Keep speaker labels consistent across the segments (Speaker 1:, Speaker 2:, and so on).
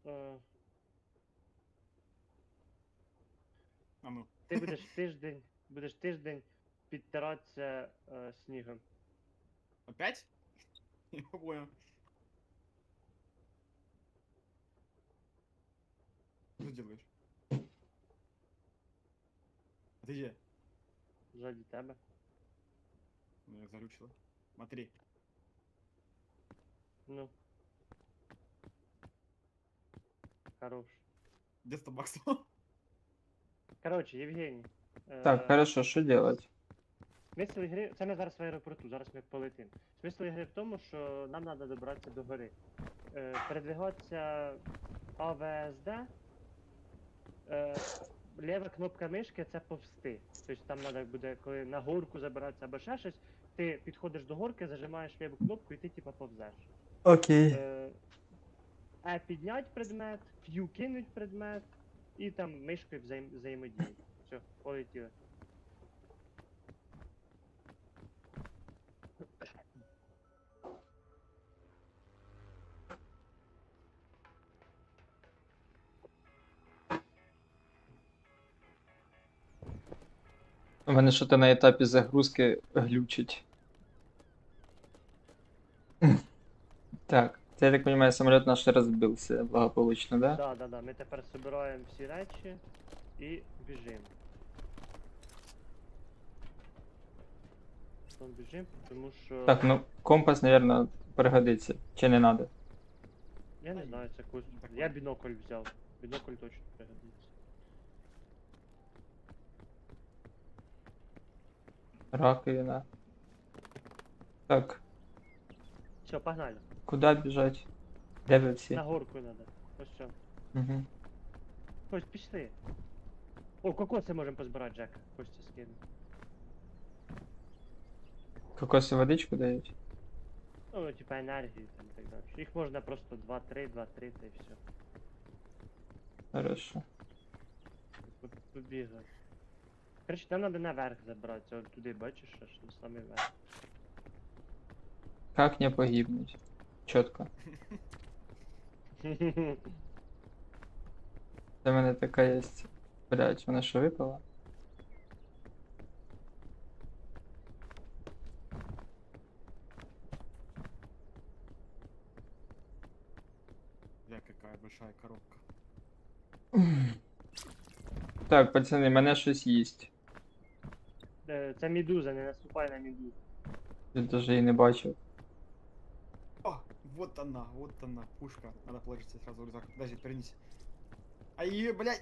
Speaker 1: Е,
Speaker 2: А ну.
Speaker 1: Ти будеш тиждень підтиратися снігом.
Speaker 2: Опять? Я не понял. Что ты делаешь? А ты где?
Speaker 1: Ззаді тебе.
Speaker 2: Ну, я зарючила. Смотри.
Speaker 1: Ну. Хорош.
Speaker 2: Где 100 баксов?
Speaker 1: Коротше, Євгеній.
Speaker 3: Так, хорошо, що делать?
Speaker 1: Смисл ігри. Це ми зараз в аеропорту, зараз ми полетимо. Смисл ігри в тому, що нам треба добратися до гори. Передвигатися АВСД. Ліва кнопка мишки це повсти. Тобто там треба буде, коли на горку забиратися або ще щось, ти підходиш до горки, зажимаєш ліву кнопку і ти типа повзеш.
Speaker 3: Окей.
Speaker 1: Піднять предмет, Q кинуть предмет і там мишкою взаємодіяти. Все, полетіли.
Speaker 3: У мене що то на етапі загрузки глючить. Так, це, я так понимаю, самоліт наш розбився благополучно, да?
Speaker 1: Да. Ми тепер збираємо всі речі і біжимо. Потім біжимо, тому що.
Speaker 3: Так, ну компас, наверное, пригодиться. Чи не надо?
Speaker 1: Я не знаю, це якось. Я бінокль взяв. Бінокль точно пригодиться.
Speaker 3: Раковина. Так,
Speaker 1: Все, погнали.
Speaker 3: куди біжать? Де ви всі?
Speaker 1: На горку треба. Ось що.
Speaker 3: Угу.
Speaker 1: Ось пішли. О, кокоси можемо позбирати, Джек. Костя скину.
Speaker 3: Кокоси водичку дають?
Speaker 1: Ну, типа енергію там і так далі. Їх можна просто 2-3, 2-3 та і все.
Speaker 3: Хорошо.
Speaker 1: Побігати. Короче, нам треба наверх забратися, от туди бачиш, аж на самий верх.
Speaker 3: Как не погибнуть? Чітко. Це в мене така є. Блять, вона що випала?
Speaker 2: Бля, какая большая коробка.
Speaker 3: Так, пацани, мене щось їсть.
Speaker 1: Це медуза, не наступай на медузу.
Speaker 3: Я даже її не бачив.
Speaker 2: О, вот она, пушка. Надо положить себе сразу в рюкзак. Подожди, перенись. А ее, блядь.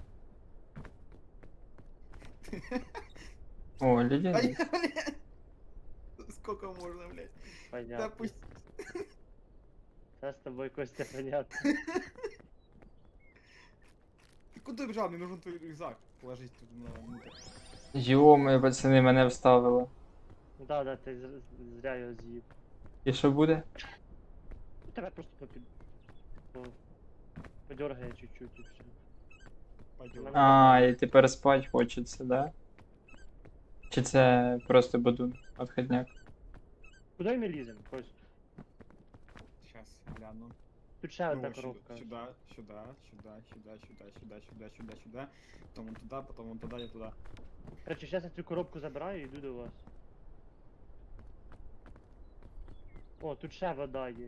Speaker 3: О,
Speaker 2: А
Speaker 3: ледяний.
Speaker 2: её, блядь. Сколько можно, блядь? Да
Speaker 1: Понятно.
Speaker 2: пусть.
Speaker 1: Це з тобою, Костя, понятно.
Speaker 2: Ты куда бежал? Мне нужен твой рюкзак. Положить тут внутрь.
Speaker 3: Йо-моє, пацани, мене вставило.
Speaker 1: Да, ти зря його з'їв.
Speaker 3: І що буде?
Speaker 1: Ну, тебе просто подергає чуть-чуть і все.
Speaker 2: Пойдем.
Speaker 1: Мене-
Speaker 3: А, і тепер спать хочеться, да? Чи це просто бодун, отходняк?
Speaker 1: Куди ми ліземо, Кость?
Speaker 2: Сейчас гляну.
Speaker 1: Тут ще одна
Speaker 2: Ну,
Speaker 1: коробка.
Speaker 2: сюда. Потом вон туда, я туда.
Speaker 1: Короче, зараз я цю коробку забираю і йду до вас. О, тут ще вода є.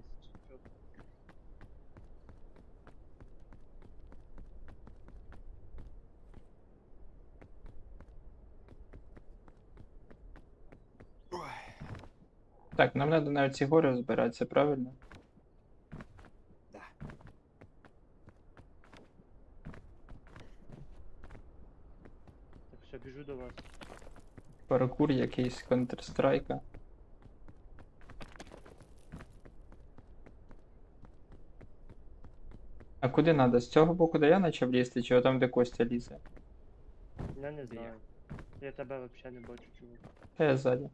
Speaker 2: Ой.
Speaker 3: Так, нам треба на ці гори збиратися, правильно?
Speaker 2: Да.
Speaker 1: Так, все, біжу до вас.
Speaker 3: Паркур якийсь Counter-Strike. А куди треба? З цього боку, де я почав лізти, чи там, де Костя лізе?
Speaker 1: Я не
Speaker 2: Де
Speaker 1: знаю. Я тебе вообще не бачу, чувак.
Speaker 3: Та я ззаді.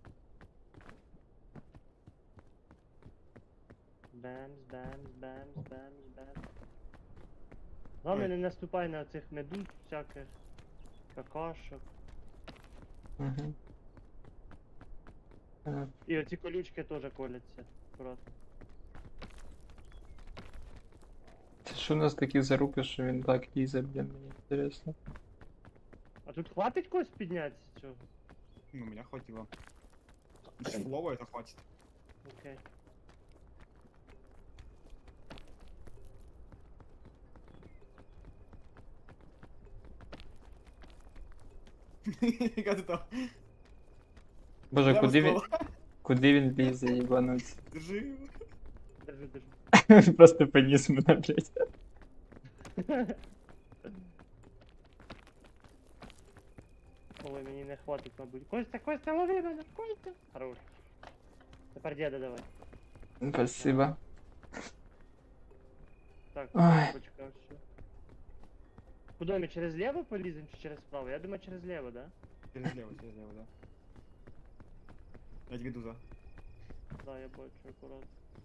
Speaker 1: Бемс. Главное,
Speaker 2: Ой.
Speaker 1: не наступай на цих медуз всяких, какашок.
Speaker 3: Угу.
Speaker 1: І оці колючки теж коляться. Аккуратно.
Speaker 3: Це що Що у нас такі заруки, що він так лізе, блін, мені інтересно.
Speaker 1: А тут хватить когось піднятися цього?
Speaker 2: Ну, меня хватило. Если фулово, это хватит.
Speaker 1: Окей.
Speaker 2: Как ты там?
Speaker 3: Боже,
Speaker 2: Прямо
Speaker 3: куди він,
Speaker 2: ствола.
Speaker 3: куди він лізе, їбануться?
Speaker 2: Держи.
Speaker 1: Держи, держи.
Speaker 3: Він просто поніс мене, блядь.
Speaker 1: Ой, мені не хватить, мабуть. Костя, Костя, лови мене, Костя! Хорош. Тепер діда давай.
Speaker 3: Спасибо.
Speaker 1: Так,
Speaker 3: Ой.
Speaker 1: почекай, все. Куди ми через ліво поліземо чи через право? Я думаю, через ліво, да?
Speaker 2: Через лево, да. Я тебе иду за.
Speaker 1: Да, я бачу, аккуратно.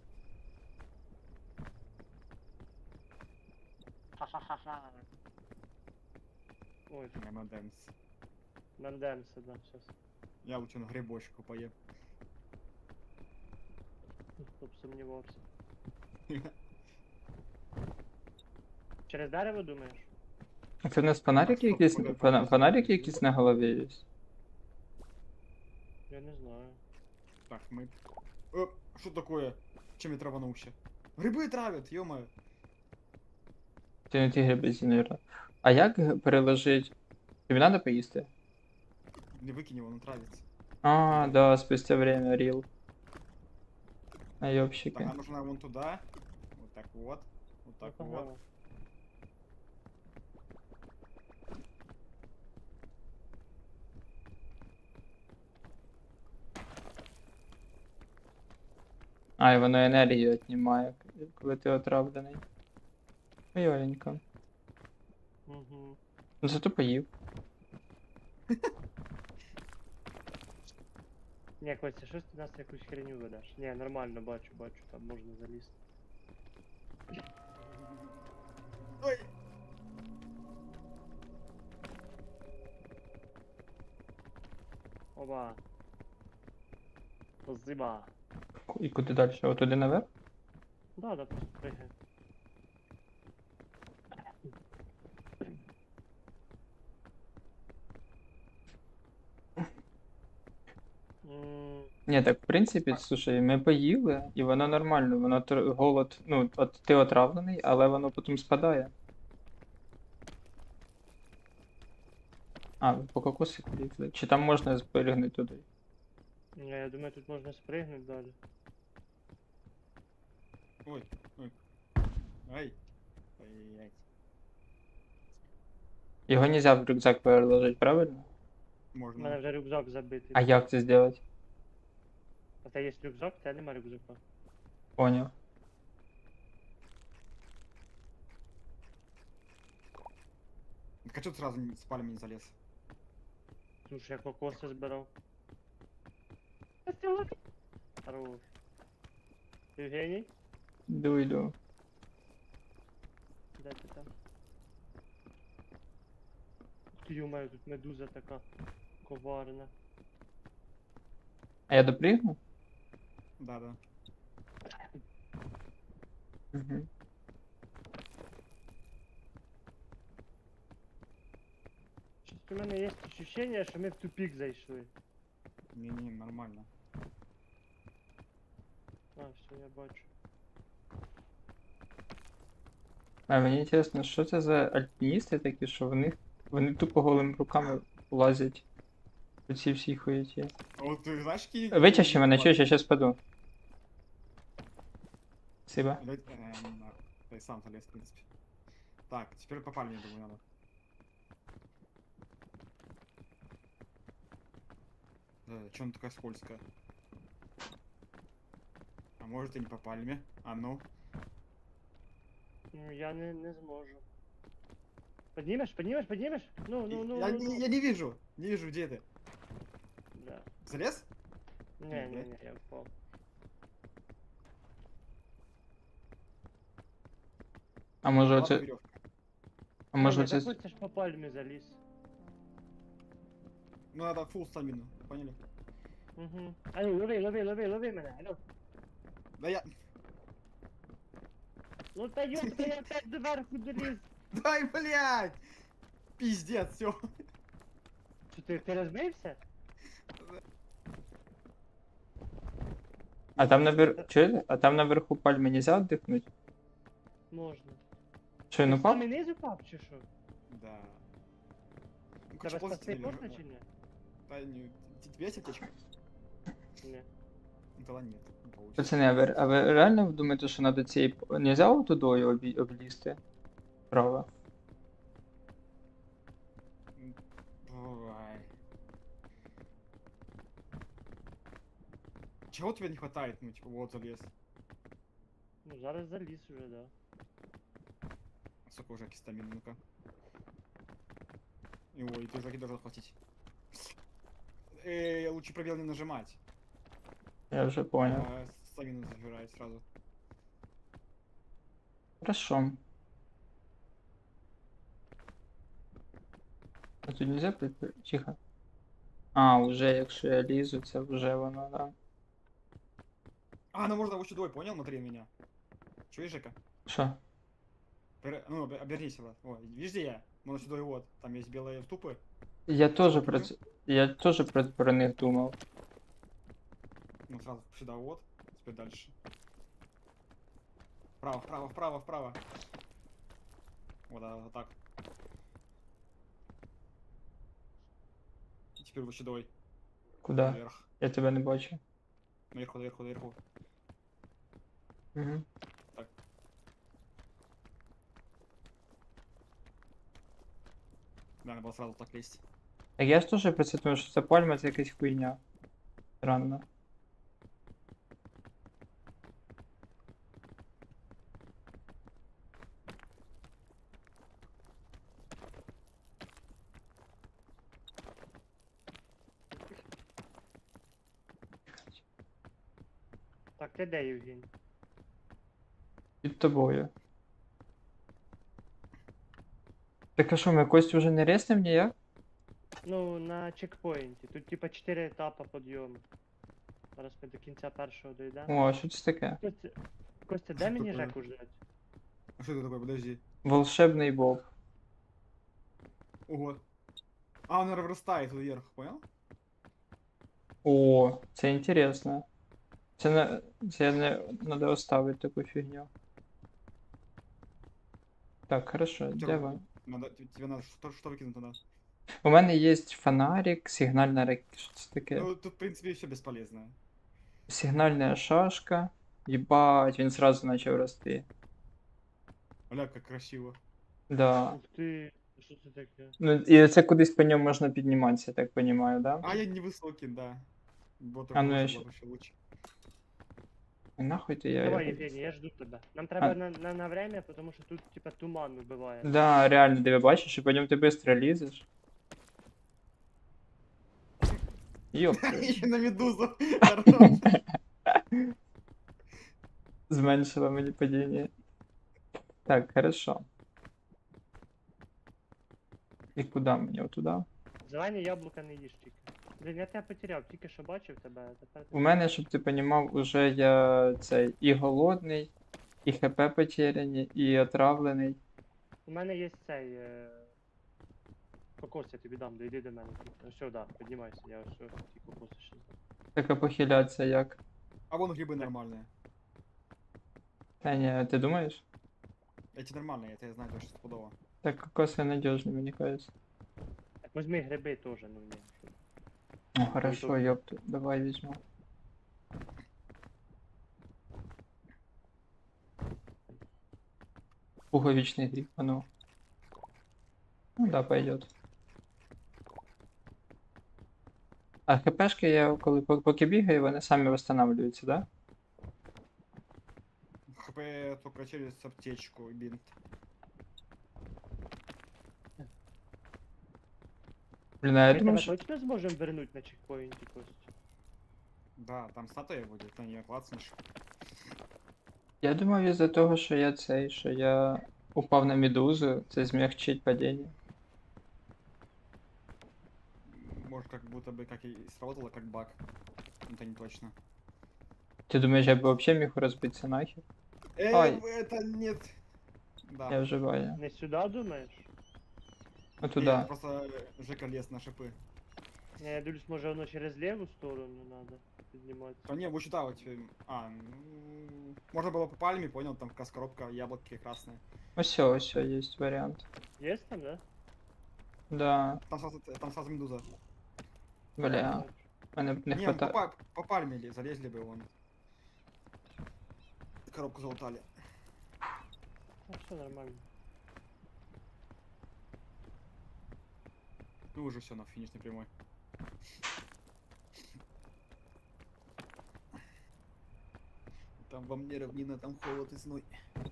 Speaker 1: Ха-ха-ха-ха. Ой,
Speaker 2: Мемодемс.
Speaker 1: мандемся, да, сейчас.
Speaker 2: Я лучше на грибочку поем.
Speaker 1: Хто б сумнівався. Через дерево думаєш?
Speaker 3: Це у нас фонарики
Speaker 2: стоп,
Speaker 3: якісь,
Speaker 2: куди
Speaker 3: фонарики якісь на голові є?
Speaker 1: Я не знаю.
Speaker 2: Так, мы... Что такое? Чем я траванулся? Грибы травят, ё-моё.
Speaker 3: Це не ті гриби, наверное. А як переложить? Тобі надо поїсти?
Speaker 2: Не выкинь его, он травится.
Speaker 3: А, да, спустя время, рил. А
Speaker 2: Так,
Speaker 3: ёбщики.
Speaker 2: нам нужно вон туда. Вот так вот. Вот так
Speaker 1: Ну,
Speaker 2: вот.
Speaker 1: погнали.
Speaker 3: А, і воно енергію віднімає, коли ти отравлений. Ойоленько.
Speaker 1: Угу.
Speaker 3: Ну зато поїв.
Speaker 1: Ні, Костя, щось ти нас якусь херню ведеш. Ні, нормально, бачу, там можна залізти.
Speaker 2: Ой!
Speaker 1: Оба. Спасибо.
Speaker 3: І куди далі? Отуди наверх?
Speaker 1: Да, просто пригай.
Speaker 3: Ні, так в принципі, слушай, ми поїли, і воно нормально, воно голод, ну, от ти отравлений, але воно потім спадає. А, ви по кокосику лізли. Чи там можна спригнути туди?
Speaker 1: Ні, я думаю, тут можна спригнути далі.
Speaker 2: Ой, ой. Ай. Ай-яй.
Speaker 3: Його нельзя в рюкзак переложити, правильно?
Speaker 1: У мене
Speaker 2: Можно.
Speaker 1: вже рюкзак забитий.
Speaker 3: А як це зробити?
Speaker 1: А в тебе є рюкзак, в тебе нема рюкзака.
Speaker 3: Поняв.
Speaker 2: Так а что ты сразу с пальмами не залез?
Speaker 1: Тому що я кокоси збирав. Костя, лови! Хорош. Євгеній?
Speaker 3: Йду.
Speaker 1: Де ти там? Ти йомаю, тут медуза така коварна.
Speaker 3: А я допригну?
Speaker 2: Да, да.
Speaker 3: Угу.
Speaker 1: Щось у мене є відчуття, що ми в тупик зайшли.
Speaker 2: Не-не, нормально.
Speaker 1: А, все, я бачу.
Speaker 3: А мені інтересно, що це за альпіністи такі, що вони тупо голими руками лазять по цій всій хуєті.
Speaker 2: А вот ты знаешь, какие...
Speaker 3: Витяжи мене, чуєш, я щас паду. Спасибо.
Speaker 2: Ты сам залез, в принципе. Так, теперь по пальме, думаю, надо. Че она такая скользкая? А может и не по пальме? А ну.
Speaker 1: Ну, я не зможу. Поднимешь? Ну.
Speaker 2: Я не вижу. Не вижу, где ты.
Speaker 1: Да.
Speaker 2: Залез?
Speaker 1: Не, я впав.
Speaker 3: А може
Speaker 2: Ладно,
Speaker 3: оце.
Speaker 2: веревка.
Speaker 3: А може
Speaker 1: Ні,
Speaker 3: оце.
Speaker 1: так Костя ж по пальмі заліз.
Speaker 2: Ну надо фулл стамину, поняли?
Speaker 1: Угу. Алло, лови мене, алло.
Speaker 2: Да я...
Speaker 1: Ну та ёпта, я опять доверху доліз.
Speaker 2: Дай, блядь! Пиздец, все.
Speaker 1: Що ти розбився?
Speaker 3: А там чуєте? А там наверху пальми нельзя віддихнути?
Speaker 1: Можна.
Speaker 3: Що, він
Speaker 1: Ти
Speaker 3: упав?
Speaker 1: самий низ упав чи що?
Speaker 2: Да. Ну,
Speaker 1: Тебе
Speaker 2: ползти
Speaker 1: спасти
Speaker 2: лежу,
Speaker 1: можна
Speaker 2: да.
Speaker 1: чи ні?
Speaker 2: Да, не, тебе есть аптечка?
Speaker 1: Ні.
Speaker 2: Ну, тогда нет, не получится.
Speaker 3: Пацани, а ви реально думаєте, що надо цієї... Нельзя отудою облізти? Право.
Speaker 2: Ой. Чего тебе не хватает? Ну, типа, вот залез.
Speaker 1: Ну зараз заліз уже, да.
Speaker 2: Сколько уже кистамин, ну-ка. Ой, ты уже должен хватить. Лучше пробел не нажимать.
Speaker 3: Я вже понял.
Speaker 2: Стамину забирает сразу.
Speaker 3: Хорошо. А тут нельзя Тихо. А, уже, якщо я лізу, це вже воно, да.
Speaker 2: А, ну можно лучше двое, понял? Смотри на меня. Чуешь, Жека?
Speaker 3: Що?
Speaker 2: Ну, обернись, вот. Ой, видишь, где я? Можно сюда и вот. Там есть белые вступы.
Speaker 3: Я теж
Speaker 2: Що,
Speaker 3: про
Speaker 2: ти?
Speaker 3: це. Я теж про них думав.
Speaker 2: Ну, сразу сюда вот. Теперь дальше. Вправо, вправо, вправо, вправо. Вот, да, вот так. И теперь лучше давай.
Speaker 3: Куди?
Speaker 2: Наверх.
Speaker 3: Я тебе не бачу.
Speaker 2: Наверху, наверху, наверху.
Speaker 3: Угу.
Speaker 2: Да, надо было сразу так лезть.
Speaker 3: Так я ж теж про це думаю, що це пальма, це якась хуйня. Странно.
Speaker 1: Так, ти де, Євгень?
Speaker 3: Під тобою. Так а що, ми Костю вже не резнем ніяк?
Speaker 1: Ну, на чекпоінті. Тут типа 4 етапи підйому. Зараз ми до кінця першого дійдемо.
Speaker 3: О, а що це таке?
Speaker 1: Костя, де
Speaker 2: Що
Speaker 1: мені
Speaker 2: таке?
Speaker 1: Жеку ждать?
Speaker 2: А что это такое? Подожди.
Speaker 3: Волшебний боб.
Speaker 2: Ого. А, он вырастает вверх, понял?
Speaker 3: О, це інтересно. Це не надо оставити таку фігню. Так, хорошо, де ви?
Speaker 2: Тебе надо что выкинуть надо?
Speaker 3: У мене є фонарик, сигнальна ракета. Що це таке?
Speaker 2: Ну, тут, в принципе, все бесполезно.
Speaker 3: Сигнальна шашка. Єбать, він сразу почав рости.
Speaker 2: Бля, как красиво.
Speaker 3: Да.
Speaker 1: Ух ти, що це таке?
Speaker 3: Ну, і це кудись по ньому можна підніматися, я так розумію, да?
Speaker 2: А, я невысокий, да. Вот
Speaker 3: А, ну,
Speaker 2: такой
Speaker 3: я
Speaker 2: вот
Speaker 3: щ-
Speaker 2: было вообще лучше.
Speaker 3: Нахуй ти я.
Speaker 1: Давай,
Speaker 3: його-
Speaker 1: Євгеній, я жду тебе. Нам треба
Speaker 3: А.
Speaker 1: на время, тому що тут типа туман вбиває.
Speaker 3: Да, реально, ти бачиш, і по ньому ти швидко лізеш. Йоп,
Speaker 2: Еще на медузу. Хорош.
Speaker 3: зменшило мені падіння. Так, хорошо. І куди мені? Отуда?
Speaker 1: Зелені яблука не їж тільки. Блін, я тебе потеряв, тільки що бачив тебе, а тепер.
Speaker 3: У мене, щоб ти понімав, уже я цей і голодний, і ХП потеряні, і отравлений.
Speaker 1: У мене є цей. Кокос я тобі дам, дойди до мене. Ну все, да, піднімайся, я ось ті кокоси ще.
Speaker 3: Так а похилятися як?
Speaker 2: А вон грибы нормальные.
Speaker 3: Та ні, ти думаєш?
Speaker 2: Эти нормальные, это я знаю точно стопудово.
Speaker 3: Так кокоси надіжні, мені кажется.
Speaker 1: Так візьми гриби теж, ну ні.
Speaker 3: Ну хорошо,
Speaker 1: тут.
Speaker 3: ёпту, давай візьму. Пуговичный гриб, а ну. Ну да, пойдет. А хпшки я коли поки бігаю, вони самі восстанавливаються, да?
Speaker 2: ХП только через аптечку и бинт.
Speaker 3: Блін, а я
Speaker 1: Ми
Speaker 3: думав,
Speaker 1: тебе
Speaker 3: що...
Speaker 1: точно зможемо вернути на чекпоінті, Костя?
Speaker 2: Да, там статуя будет, на нее клацнешь.
Speaker 3: Я думав із-за того, що я цей, що я упав на медузу, це змягчить падіння.
Speaker 2: Может, как будто бы как и сработало как баг. Это не точно.
Speaker 3: Ти думаєш, я б взагалі міг розбитися нахер? Ай.
Speaker 2: Это нет. Да.
Speaker 3: Я вживаю.
Speaker 1: Не сюди думаєш?
Speaker 3: Ну
Speaker 2: Нет,
Speaker 3: туди.
Speaker 2: просто Жека лез на шипы.
Speaker 1: Не, я дивлюсь, може воно через ліву сторону надо підніматися.
Speaker 2: А не, вот сюда вот. Можно было по пальме, понял, там как раз коробка, яблоки красные.
Speaker 3: Ось, є варіант.
Speaker 1: Є там, да?
Speaker 3: Да,
Speaker 2: Там сразу медуза.
Speaker 3: бля. Мене б не
Speaker 2: Не,
Speaker 3: хватає.
Speaker 2: по пальме залезли бы вон. Коробку залутали.
Speaker 1: Ну, все нормально.
Speaker 2: Ну уже все на финишной прямой. Там во мне равнина, там холод и зной.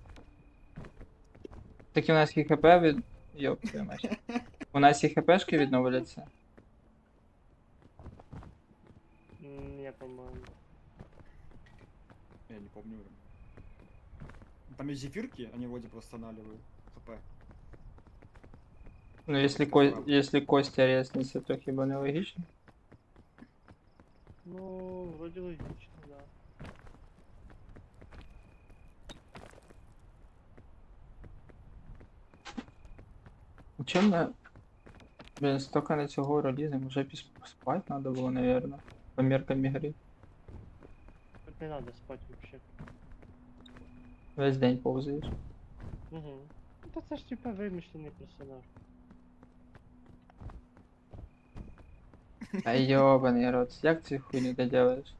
Speaker 3: Так і у нас і хп від. Йоп, твою мать. У нас і хпшки відновляться.
Speaker 1: Не, по-моєму.
Speaker 2: Я не помню уже. Там есть зефирки, они вроде восстанавливают хп.
Speaker 3: Ну, якщо, якщо Костя резниться, то хіба не логічно?
Speaker 1: Ну, вроде логично, да.
Speaker 3: Чим ми... Блін, стільки на цього релізу, вже спати треба було, наверное. По меркам ігри.
Speaker 1: Тут не надо спать вообще.
Speaker 3: Весь день повзаєш.
Speaker 1: Угу. Ну, та це ж типа вимишлений персонаж.
Speaker 3: Та йобаний рот, як цю хуйню ти делаєш?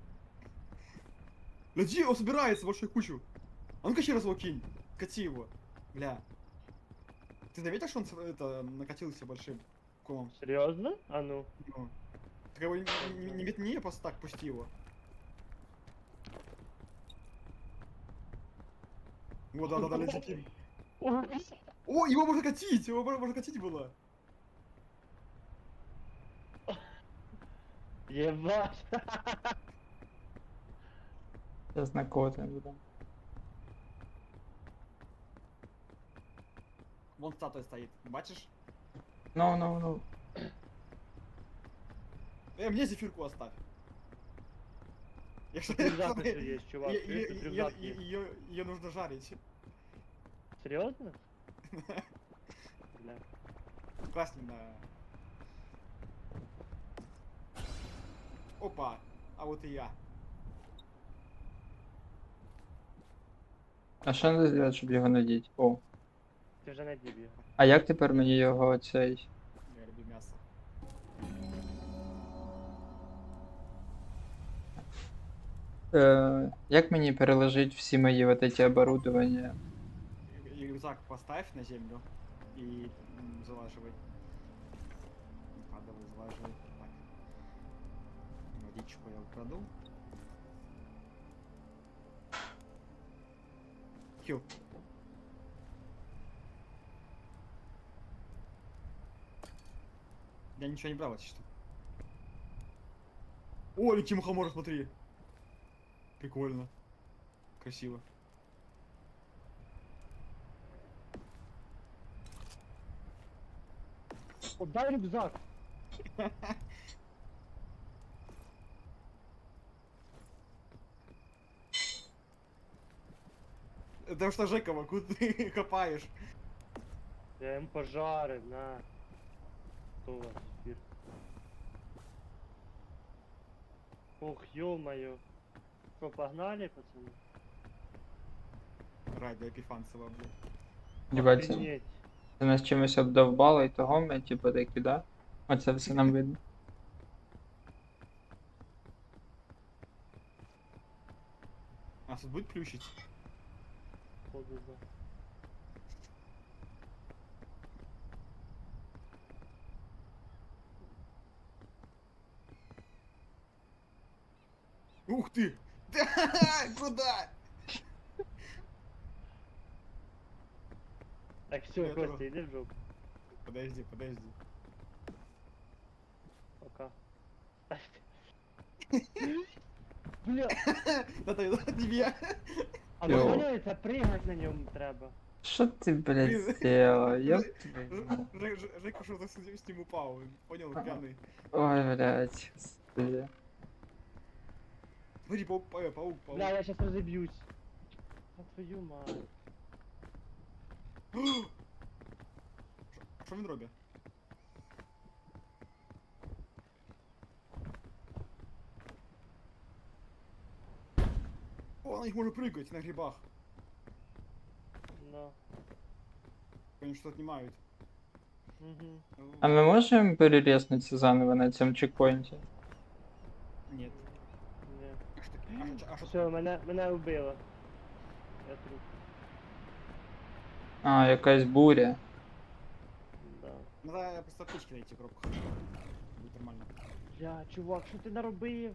Speaker 2: Гляди, он собирается в большую кучу. А ну-ка еще раз его кинь. Кати его. Бля. Ты заметил, что он это накатился большим комом?
Speaker 1: Серйозно? А ну.
Speaker 2: Ну. Так его не метни, а просто так пусти его. Вот, да, летит. О, его можно катить! Его можно катить было!
Speaker 1: Єбать!
Speaker 3: Зараз на коти буде.
Speaker 2: Вон статуя стоит, бачишь?
Speaker 3: Ну.
Speaker 2: Мне зефирку оставь. Я
Speaker 1: Тут рюкзак еще есть, чувак. Видишь, тут рюкзак есть.
Speaker 2: Ее нужно жарить.
Speaker 1: Серьезно? Бля.
Speaker 2: Классно. Опа, а вот и я.
Speaker 3: А що треба зробити, щоб його надіти? О.
Speaker 1: Ти вже надів його.
Speaker 3: А як тепер мені його цей...
Speaker 2: Я люблю мясо.
Speaker 3: Як мені переложити всі мої вот эти оборудования?
Speaker 2: И рюкзак поставь на землю и залаживай. Давай залаживай. Так. Водичку я украду. Хил. Я ничего не брал, если что. О, лети мухомор, смотри. Прикольно. Красиво.
Speaker 1: Отдай рюкзак!
Speaker 2: Это что, Жекова, куда ты копаешь?
Speaker 1: Я їм пожарив, на. Хто у вас спір? Ох, ё-моё. Что, погнали, пацаны?
Speaker 2: Радио Епифанцева, блин.
Speaker 3: Єбать, це
Speaker 1: Охренеть.
Speaker 3: нас чимось обдовбало і того ми, типу, такі, да? Оце все нам видно.
Speaker 2: Нас тут будет плющить?
Speaker 1: Походу, да.
Speaker 2: Ух ты! Куда?
Speaker 1: Так, все,
Speaker 2: Я
Speaker 1: Костя,
Speaker 2: тоже.
Speaker 1: иди в жопу.
Speaker 2: Подожди.
Speaker 1: Пока. Бля,
Speaker 2: Это тебе.
Speaker 1: а
Speaker 3: Йо.
Speaker 1: ви поняли, це пригать на ньому треба.
Speaker 3: Що ти, блядь,
Speaker 2: Блін.
Speaker 3: сделал? Ёб твою мать.
Speaker 2: Жека что-то с ним упал, он понял,
Speaker 3: Ага.
Speaker 2: пьяный.
Speaker 3: Ой, блядь, господи.
Speaker 2: Смотри, паук.
Speaker 1: Бля, я сейчас разобьюсь. А твою мать.
Speaker 2: Що він робить? О, на них може прыгать на грибах.
Speaker 1: Да.
Speaker 2: Они что-то отнимают.
Speaker 1: Угу.
Speaker 3: А ми можемо перерезнутися заново на цьому чекпоінті?
Speaker 2: Нет.
Speaker 1: Ні.
Speaker 2: А что таки? А что
Speaker 1: Все, мене вбило. Я труп.
Speaker 3: А, якась буря.
Speaker 1: Да.
Speaker 2: Надо просто аптечки найти в коробках. Будет нормально.
Speaker 1: Бля, чувак, що ти наробив?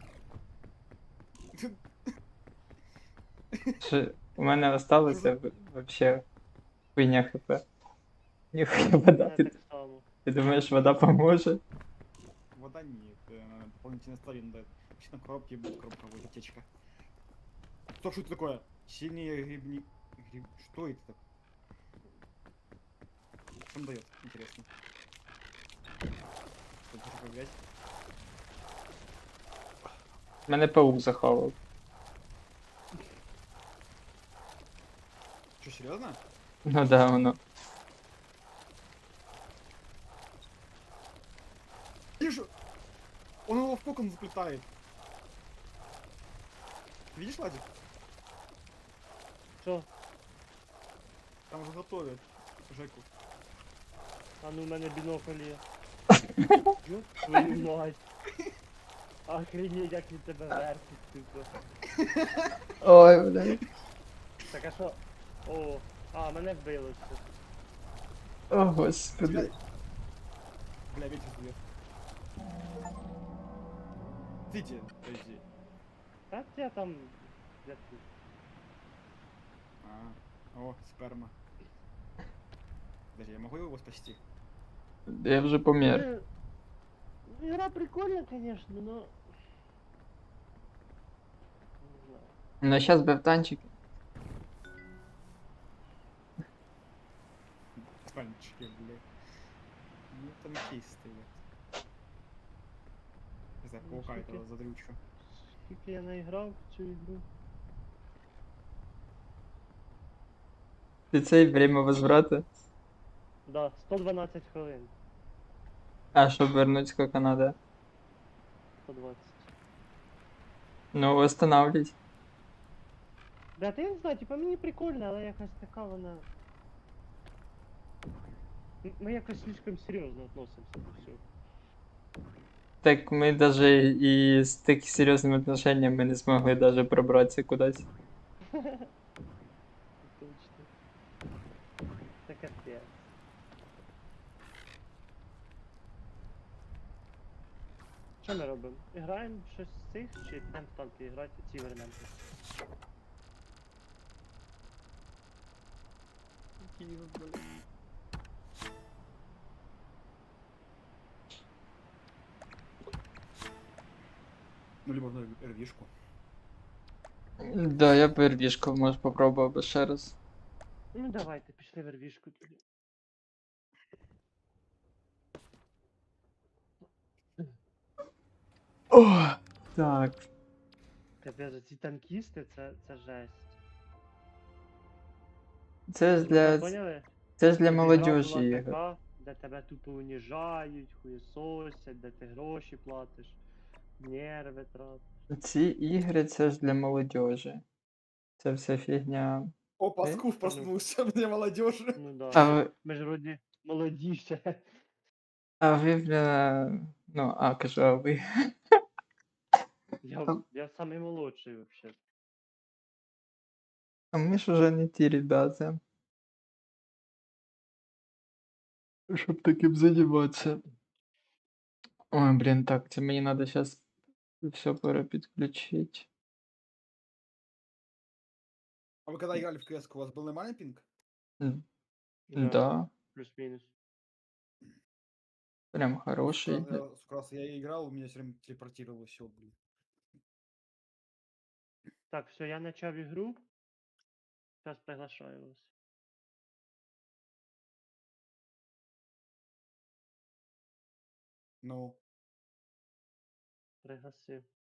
Speaker 3: Що у мене осталося вообще хуйня хп. Ніхуя вода.
Speaker 1: Мене
Speaker 3: Ти,
Speaker 1: так само.
Speaker 3: ти думаєш, вода поможе?
Speaker 2: Вода нет. Дополнительно стали надо. Вообще на коробке будет коробка будет аптечка. Что это такое? Сильнее грибни... Что это так? Что он дает? Интересно. Что это такое, блядь?
Speaker 3: Мене паук захавав.
Speaker 2: Что, серьезно?
Speaker 3: Ну да, воно.
Speaker 2: Вижу! Он его в кокон заплетает. Видишь, Ладик?
Speaker 1: Що?
Speaker 2: Там уже готовят Жеку.
Speaker 1: А ну, в мене бінокль є. Ёб твою мать. Охренеть, як він тебе вертить, тупо.
Speaker 3: Ой, блядь.
Speaker 1: Так а що? О, а, мене вбило все.
Speaker 3: О, господи.
Speaker 2: Бля, ветер дует. Видите, подожди.
Speaker 1: Та я там... Я тут.
Speaker 2: О, сперма. Подожди, я могу его спасти?
Speaker 3: Я вже помер.
Speaker 1: Игра прикольная, конечно, но... Не знаю.
Speaker 3: Ну сейчас би в танчики.
Speaker 2: Танчики, бля. Ну, танкисты, бля. Не знаю,
Speaker 1: Ну,
Speaker 2: паука
Speaker 1: сколько?
Speaker 2: этого задрючу.
Speaker 1: Скільки я наіграв в цю ігру?
Speaker 3: Ти цей время возврата.
Speaker 1: Да, 112 хвилин.
Speaker 3: А, щоб вернуть сколько надо.
Speaker 1: 120.
Speaker 3: Ну, восстанавливать.
Speaker 1: Да, я не знаю, типа мені прикольно, але якась така вона... Ми якось слишком серйозно относимся до всього.
Speaker 3: Так ми даже і з такими серйозними отношеннями не змогли даже пробратися кудись.
Speaker 1: Точно. Це капець. Що ми робимо? Граємо щось з цих, чи підемо в танки грати, ці вернемося?
Speaker 2: Киев, бля. Ну, либо в РВшку.
Speaker 3: Да, я пердішку, може попробував би ще раз.
Speaker 1: Ну давайте, пішли в ервішку тоді.
Speaker 3: О, так.
Speaker 1: Капець, ці танкісти, це жесть.
Speaker 3: Це ж
Speaker 1: Ви так
Speaker 3: для.
Speaker 1: поняли?
Speaker 3: Це ж для
Speaker 1: Щоб ігра
Speaker 3: молодіжі
Speaker 1: була
Speaker 3: ігор.
Speaker 1: така, де тебе тупо уніжають, хуєсосять, де ти гроші платиш, нерви тратиш.
Speaker 3: Ці ігри це ж для молодіжі. Це вся фігня.
Speaker 2: О, Паскув проснулся, мне молодежи.
Speaker 1: Ну да,
Speaker 3: А
Speaker 1: ми,
Speaker 3: ви,
Speaker 1: ми ж вроді молоді ще.
Speaker 3: а ви, бля. Ну, а, кажу, а ви.
Speaker 1: Я самий молодший взагалі.
Speaker 3: А ми ж уже не ті ребята. Щоб таким займатися. Ой, блін, так, це мені треба зараз все перепідключити.
Speaker 2: А вы когда играли в КС, у вас был нормальный пинг?
Speaker 3: Да,
Speaker 1: Плюс-мінус.
Speaker 3: прям хороший.
Speaker 2: Сколько раз я играл, у меня все время телепортировало все, блин.
Speaker 1: Так, все, я почав ігру. Зараз приглашаю вас.
Speaker 2: Ну,
Speaker 1: Пригласив.